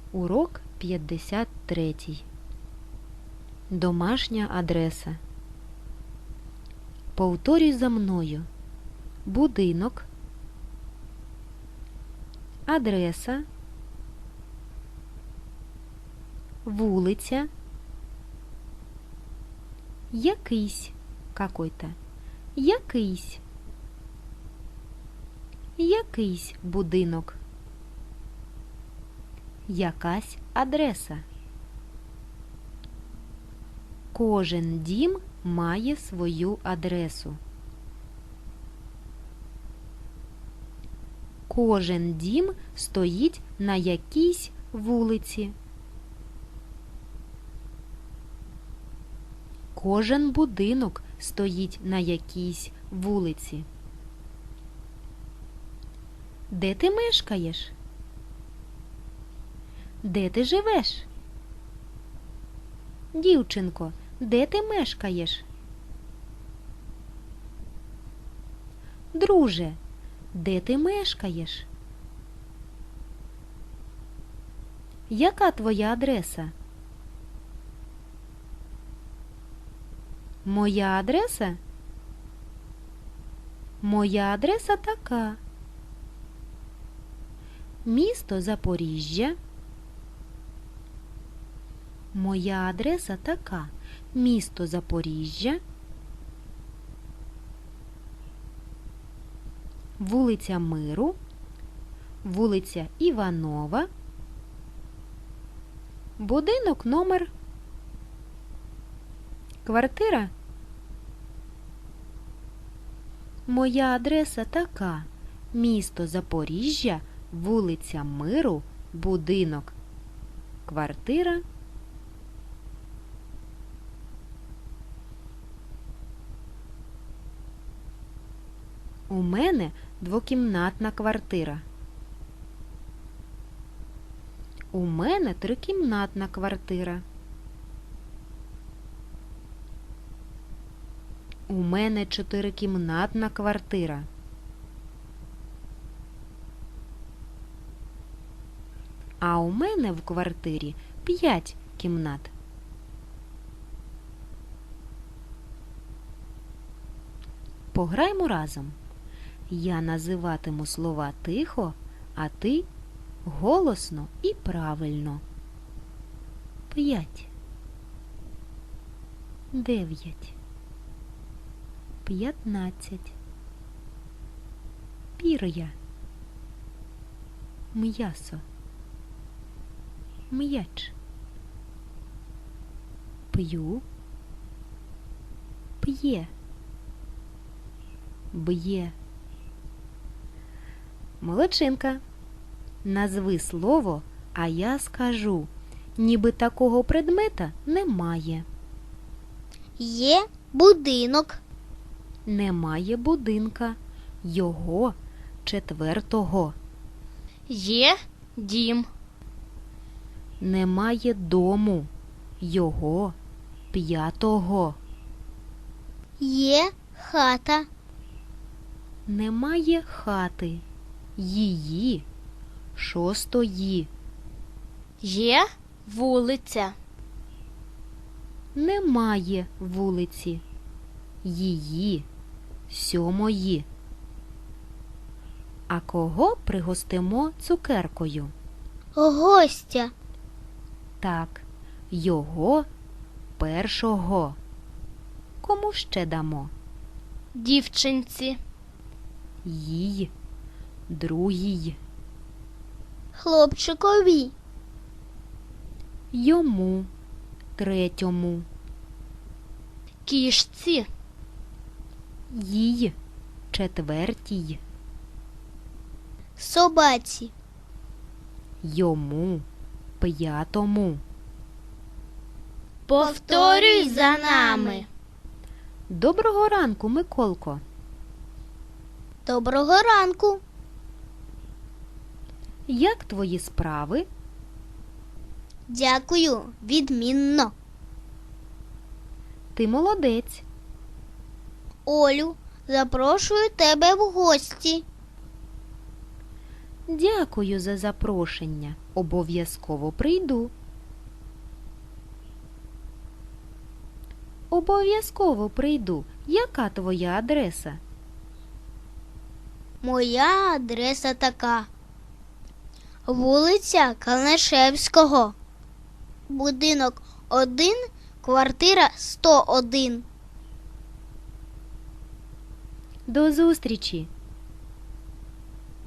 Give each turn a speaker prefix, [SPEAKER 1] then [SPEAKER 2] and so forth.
[SPEAKER 1] Урок 53. Домашня адреса. Повторюй за мною. Будинок, адреса, вулиця, якийсь, какой-то, якийсь будинок, якась адреса. Кожен дім має свою адресу. Кожен дім стоїть на якійсь вулиці. Кожен будинок стоїть на якійсь вулиці. Де ти мешкаєш? Де ти живеш? Дівчинко, де ти мешкаєш? Друже, де ти мешкаєш? Яка твоя адреса? Моя адреса? Моя адреса така. Місто Запоріжжя. Моя адреса така. Місто Запоріжжя. Вулиця Миру. Вулиця Іванова. Будинок номер. Квартира. Моя адреса така. Місто Запоріжжя. Вулиця Миру. Будинок. Квартира. У мене двокімнатна квартира. У мене трикімнатна квартира. У мене чотирикімнатна квартира. А у мене в квартирі 5 кімнат. Пограймо разом. Я називатиму слова тихо, а ти голосно і правильно. 5, 9, 15, пір'я, м'ясо, м'яч, п'ю, п'є, б'є. Молодчинка. Назви слово, а я скажу. Ніби такого предмета немає.
[SPEAKER 2] Є будинок.
[SPEAKER 1] Немає будинка. Його 4-го.
[SPEAKER 2] Є дім.
[SPEAKER 1] Немає дому. Його 5-го.
[SPEAKER 2] Є хата.
[SPEAKER 1] Немає хати. Її 6-ї.
[SPEAKER 2] Є вулиця.
[SPEAKER 1] Немає вулиці. Її 7-ї. А кого пригостимо цукеркою?
[SPEAKER 2] Гостя.
[SPEAKER 1] Так, його 1-го. Кому ще дамо?
[SPEAKER 2] Дівчинці.
[SPEAKER 1] Їй 2-й.
[SPEAKER 2] Хлопчикові.
[SPEAKER 1] Йому 3-му.
[SPEAKER 2] Кішці.
[SPEAKER 1] Їй 4-й.
[SPEAKER 2] Собаці.
[SPEAKER 1] Йому 5-му.
[SPEAKER 2] Повторюй за нами.
[SPEAKER 1] Доброго ранку, Миколко.
[SPEAKER 2] Доброго ранку.
[SPEAKER 1] Як твої справи?
[SPEAKER 2] Дякую, відмінно.
[SPEAKER 1] Ти молодець.
[SPEAKER 2] Олю, запрошую тебе в гості.
[SPEAKER 1] Дякую за запрошення. Обов'язково прийду. Обов'язково прийду. Яка твоя адреса?
[SPEAKER 2] Моя адреса така. Вулиця Калнишевського. Будинок 1, квартира 101.
[SPEAKER 1] До зустрічі!